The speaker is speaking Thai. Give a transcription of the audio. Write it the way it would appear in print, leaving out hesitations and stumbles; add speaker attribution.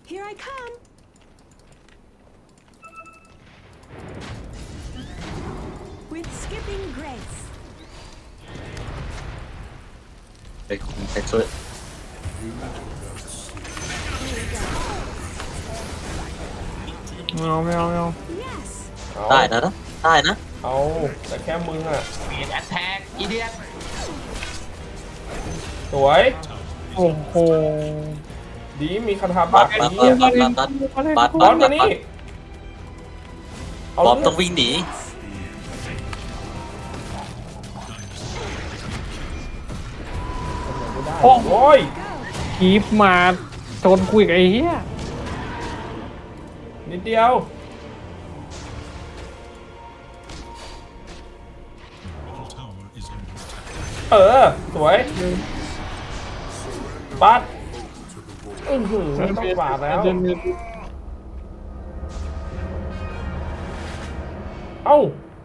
Speaker 1: Here I come. With skipping grace.
Speaker 2: ไปคุณไปช่วย
Speaker 1: Here we go.
Speaker 3: ไม่เอา
Speaker 1: Yes.
Speaker 4: เอา
Speaker 2: ได้นะได้นะ
Speaker 4: เอาแต่แค่มึงอ่ะ
Speaker 5: เบียดแอตแทกอีเดียต
Speaker 4: สวย
Speaker 3: โอ้โห
Speaker 4: ดีมีคาถาบัตรไอ้เหี้ย
Speaker 2: บัตร
Speaker 4: บอลมานี่เอา
Speaker 2: บอมต้องวิ่งหนี
Speaker 4: ไม่ได้โอ้ย
Speaker 3: คีฟมาชนคุยกับไอ้เหี้ย
Speaker 4: นิดเดียว เออ สวยปัดต้องปาดแล้ว เอ้า